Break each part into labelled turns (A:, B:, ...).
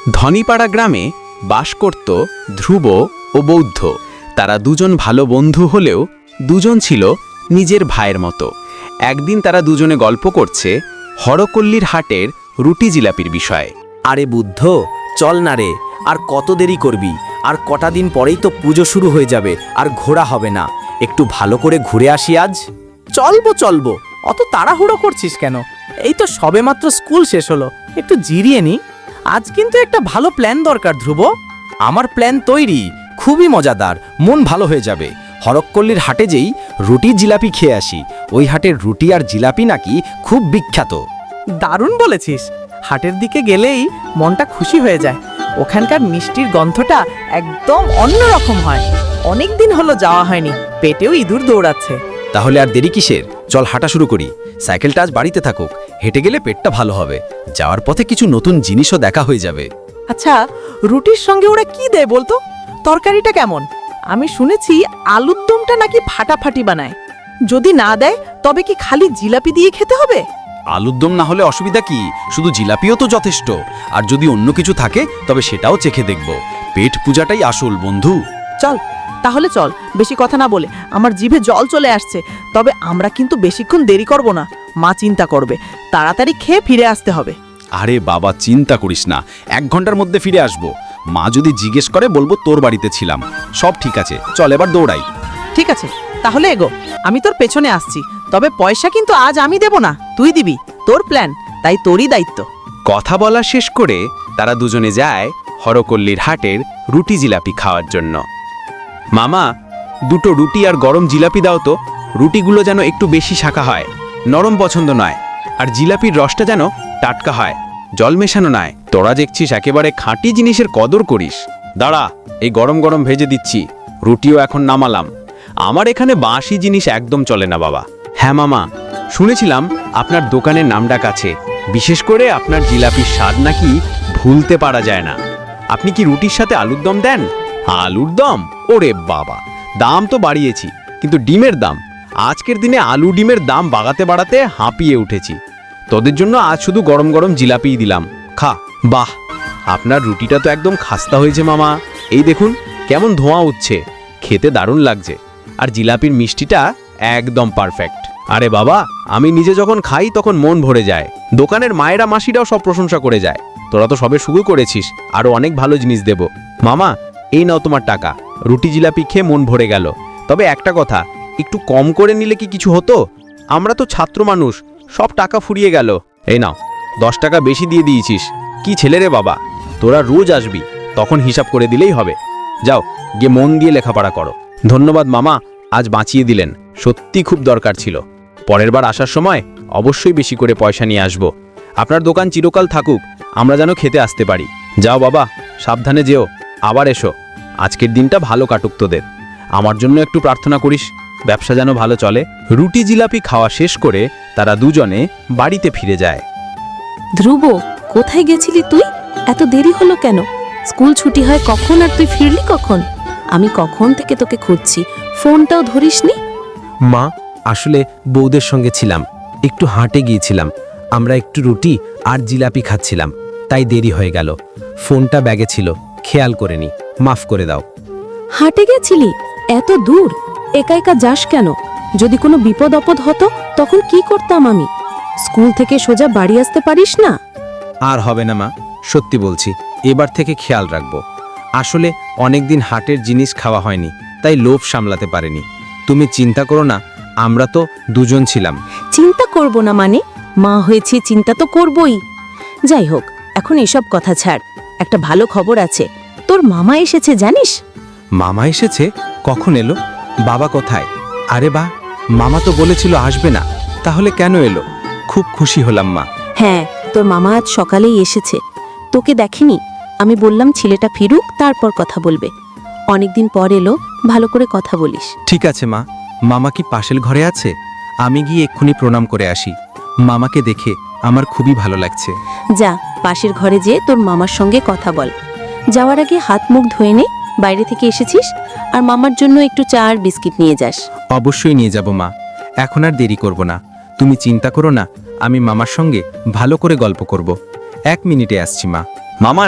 A: ধনীপাড়া গ্রামে বাস করত ধ্রুব ও বৌদ্ধ। তারা দুজন ভালো বন্ধু হলেও দুজন ছিল নিজের ভাইয়ের মতো। একদিন তারা দুজনে গল্প করছে হরকল্লির হাটের রুটি জিলাপির বিষয়ে।
B: আরে বুদ্ধ, চল না রে, আর কত দেরি করবি? আর কটা দিন পরেই তো পুজো শুরু হয়ে যাবে, আর ঘোরা হবে না। একটু ভালো করে ঘুরে আসি আজ।
C: চলবো, অত তাড়াহুড়ো করছিস কেন? এই তো সবেমাত্র স্কুল শেষ হলো, একটু জিরিয়ে নি। আজ কিন্তু একটা ভালো প্ল্যান দরকার ধ্রুব।
B: আমার প্ল্যান তৈরি, খুবই মজাদার, মন ভালো হয়ে যাবে। হরকল্লির হাটে যেই রুটি জিলাপি খেয়ে আসি। ওই হাটের রুটি আর জিলাপি নাকি খুব বিখ্যাত।
C: দারুণ বলেছিস। হাটের দিকে গেলেই মনটা খুশি হয়ে যায়। ওখানকার মিষ্টির গন্ধটা একদম অন্যরকম হয়। অনেক দিন হলো যাওয়া হয়নি, পেটেও ইঁদুর দৌড়াচ্ছে।
B: তাহলে আর দেরি কিসের? চল হাঁটা শুরু করি। সাইকেলটা আজ বাড়িতে থাকুক, হেঁটে গেলে পেটটা ভালো হবে। যাওয়ার পথে কিছু নতুন জিনিসও দেখা হয়ে যাবে।
C: আচ্ছা, রুটির সঙ্গে ওরা কি দেয় বলতো? তরকারিটা কেমন? আমি শুনেছি আলুর দমটা নাকি ফাটাফাটি বানায়। যদি না দেয় তবে কি খালি জিলাপি দিয়ে খেতে হবে?
B: আলুর দম না হলে অসুবিধা কি? শুধু জিলাপিও তো যথেষ্ট। আর যদি অন্য কিছু থাকে তবে সেটাও চেখে দেখব। পেট পূজাটাই আসল বন্ধু।
C: চল তাহলে চল, বেশি কথা না বলে। আমার জিভে জল চলে আসছে। তবে আমরা কিন্তু বেশিক্ষণ দেরি করব না, মা চিন্তা করবে। তাড়াতাড়ি খেয়ে ফিরে আসতে হবে।
B: আরে বাবা, চিন্তা করিস না, 1 ঘন্টার মধ্যে ফিরে আসব। মা যদি জিজ্ঞেস করে বলবো তোর বাড়িতে ছিলাম। সব ঠিক আছে, চল এবার দৌড়াই।
C: ঠিক আছে, তাহলে এগো, আমি তোর পেছনে আসছি। তবে পয়সা কিন্তু আজ আমি দেব না, তুই দিবি। তোর প্ল্যান, তাই তোরই দায়িত্ব।
A: কথা বলা শেষ করে তারা দুজনে যায় হরকল্লির হাটের রুটি জিলাপি খাওয়ার জন্য। মামা, 2টো রুটি আর গরম জিলাপি দাও তো। রুটিগুলো যেন একটু বেশি শাখা হয়, নরম পছন্দ নয়। আর জিলাপির রসটা যেন টাটকা হয়, জল মেশানো নয়। তোরা দেখছিস একেবারে খাঁটি জিনিসের কদর করিস। দাঁড়া, এই গরম গরম ভেজে দিচ্ছি। রুটিও এখন নামালাম। আমার এখানে বাসি জিনিস একদম চলে না বাবা। হ্যাঁ মামা, শুনেছিলাম আপনার দোকানের নামডাক আছে। বিশেষ করে আপনার জিলাপির স্বাদ নাকি ভুলতে পারা যায় না। আপনি কি রুটির সাথে আলুর দম দেন? আলুর দম? ওরে বাবা, দাম তো বাড়িয়েছি, কিন্তু ডিমের দাম, আজকের দিনে আলু ডিমের দাম বাড়াতে হাঁপিয়ে উঠেছি। তোদের জন্য আজ শুধু গরম গরম জিলাপিই দিলাম, খা। বাহ, আপনার রুটিটা তো একদম খাস্তা হয়েছে মামা। এই দেখুন কেমন ধোঁয়া উঠছে, খেতে দারুণ লাগছে। আর জিলাপির মিষ্টিটা একদম পারফেক্ট। আরে বাবা, আমি নিজে যখন খাই তখন মন ভরে যায়। দোকানের মায়েরা মাসিরাও সব প্রশংসা করে যায়। তোরা তো সবে শুরু করেছিস, আরো অনেক ভালো জিনিস দেব। মামা, এই নাও তোমার টাকা। রুটি জিলাপি খেয়ে মন ভরে গেল। তবে একটা কথা, একটু কম করে নিলে কি কিছু হতো? আমরা তো ছাত্র মানুষ, সব টাকা ফুরিয়ে গেল। এই নাও, 10 টাকা বেশি দিয়ে দিয়েছিস। কি ছেলে রে বাবা, তোরা রোজ আসবি, তখন হিসাব করে দিলেই হবে। যাও, গিয়ে মন দিয়ে লেখাপড়া করো। ধন্যবাদ মামা, আজ বাঁচিয়ে দিলেন। সত্যি খুব দরকার ছিল। পরের বার আসার সময় অবশ্যই বেশি করে পয়সা নিয়ে আসব। আপনার দোকান চিরকাল থাকুক, আমরা যেন খেতে আসতে পারি। যাও বাবা, সাবধানে যেও, আবার এসো। আজকের দিনটা ভালো কাটুক তোদের। আমার জন্য একটু প্রার্থনা করিস, ব্যবসা যেন ভালো চলে। রুটি জিলাপি খাওয়া শেষ করে তারা দুজনে বাড়িতে ফিরে যায়।
D: ধ্রুব, কোথায় গেছিলি তুই? এত দেরি হলো কেন? স্কুল ছুটি হয় কখন, আর তুই ফিরলি কখন? আমি কখন থেকে তোকে খুঁজছি, ফোনটাও ধরিসনি।
E: মা, আসলে বউদের সঙ্গে ছিলাম, একটু হাঁটে গিয়েছিলাম। আমরা একটু রুটি আর জিলাপি খাচ্ছিলাম, তাই দেরি হয়ে গেল। ফোনটা ব্যাগে ছিল, খেয়াল করিনি, মাফ করে দাও।
D: হাটে গেছিলি? এত দূর একা একা যাস কেন? যদি কোনো বিপদ আপদ হতো তখন কি করতাম আমি? স্কুল থেকে সোজা বাড়ি আসতে পারিস না?
E: আর হবে না মা, সত্যি বলছি, এবার থেকে খেয়াল রাখবো। আসলে অনেকদিন হাটের জিনিস খাওয়া হয়নি, তাই লোভ সামলাতে পারিনি। তুমি চিন্তা করো না, আমরা তো দুজন ছিলাম।
D: চিন্তা করব না মানে? মা হয়েছি, চিন্তা তো করবই। যাই হোক, এখন এসব কথা ছাড়। একটা ভালো খবর আছে, তোর মামা এসেছে জানিস?
E: মামা এসেছে? কখন এলো? বাবা কোথায়? আরে বাহ, মামা তো বলেছিল আসবে না, তাহলে কেন এলো? খুব খুশি হলাম মা।
D: হ্যাঁ, তোর মামা আজ সকালেই এসেছে। তোকে দেখেনি, আমি বললাম ছেলেটা ফিরুক, তারপর কথা বলবে। অনেকদিন পর এলো, ভালো করে কথা বলিস।
E: ঠিক আছে মা। মামা কি পাশের ঘরে আছে? আমি গিয়ে এক্ষুনি প্রণাম করে আসি। মামাকে দেখে আমার খুবই ভালো লাগছে।
D: যা, পাশের ঘরে যেয়ে তোর মামার সঙ্গে কথা বল। যাওয়ার আগে হাত মুখ ধুয়ে নে, বাইরে থেকে এসেছিস। আর মামার জন্য একটু চা আর বিস্কিট নিয়ে যাস।
E: অবশ্যই নিয়ে যাব মা, এখন আর দেরি করব না। তুমি চিন্তা করো না, আমি মামার সঙ্গে ভালো করে গল্প করব। 1 মিনিটে আসছি মা।
A: মামা,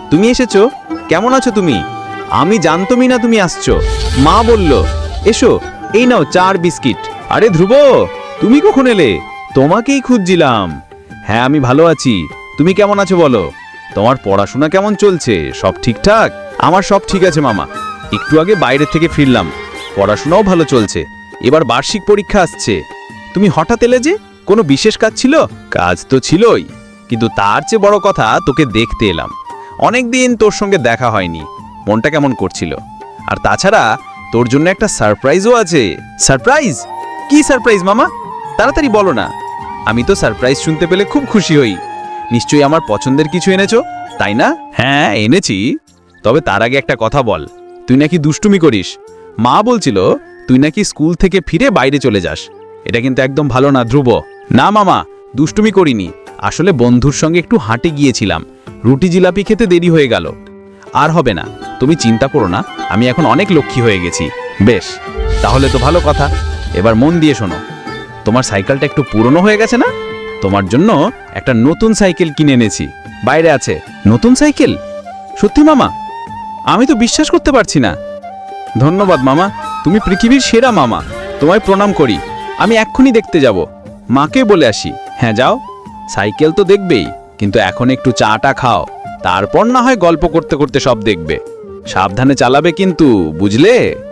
A: তুমি এসেছো? কেমন আছো তুমি? আমি জানতমই না তুমি আসছো। মা বলল এসো, এই নাও 4 বিস্কিট। আরে ধ্রুব, তুমি কখন এলে? তোমাকেই খুঁজছিলাম। হ্যাঁ, আমি ভালো আছি। তুমি কেমন আছো বলো? তোমার পড়াশোনা কেমন চলছে? সব ঠিকঠাক? আমার সব ঠিক আছে মামা। একটু আগে বাইরে থেকে ফিরলাম। পড়াশোনাও ভালো চলছে। এবার বার্ষিক পরীক্ষা আসছে। তুমি হঠাৎ এলে যে? কোনো বিশেষ কাজ ছিল? কাজ তো ছিলই, কিন্তু তার চেয়ে বড় কথা তোকে দেখতে এলাম। অনেকদিন তোর সঙ্গে দেখা হয়নি। মনটা কেমন করছিল। আর তাছাড়া তোর জন্য একটা সারপ্রাইজও আছে। সারপ্রাইজ? কি সারপ্রাইজ মামা? তাড়াতাড়ি বলো না। আমি তো সারপ্রাইজ শুনতে পেলে খুব খুশি হই। নিশ্চয়ই আমার পছন্দের কিছু এনেছো, তাই না? হ্যাঁ, এনেছি। তবে তার আগে একটা কথা বল। তুই নাকি দুষ্টুমি করিস। মা বলছিল তুই নাকি স্কুল থেকে ফিরে বাইরে চলে যাস। এটা কিন্তু একদম ভালো না ধ্রুব। না মামা, দুষ্টুমি করিনি। আসলে বন্ধুর সঙ্গে একটু হাঁটে গিয়েছিলাম। রুটি জিলাপি খেতে দেরি হয়ে গেল। আর হবে না, তুমি চিন্তা করো না। আমি এখন অনেক লক্ষ্মী হয়ে গেছি। বেশ, তাহলে তো ভালো কথা। এবার মন দিয়ে শোনো। তোমার সাইকেলটা একটু পুরনো হয়ে গেছে না? তোমার জন্য একটা নতুন সাইকেল কিনে এনেছি। বাইরে আছে। নতুন সাইকেল? সত্যি মামা? আমি তো বিশ্বাস করতে পারছি না। ধন্যবাদ মামা, তুমি পৃথিবীর সেরা মামা। তোমায় প্রণাম করি। আমি এক্ষুনি দেখতে যাব। মাকে বলে আসি। হ্যাঁ যাও। সাইকেল তো দেখবেই, কিন্তু এখন একটু চাটা খাও। তারপর না হয় গল্প করতে করতে সব দেখবে। সাবধানে চালাবে কিন্তু, বুঝলে?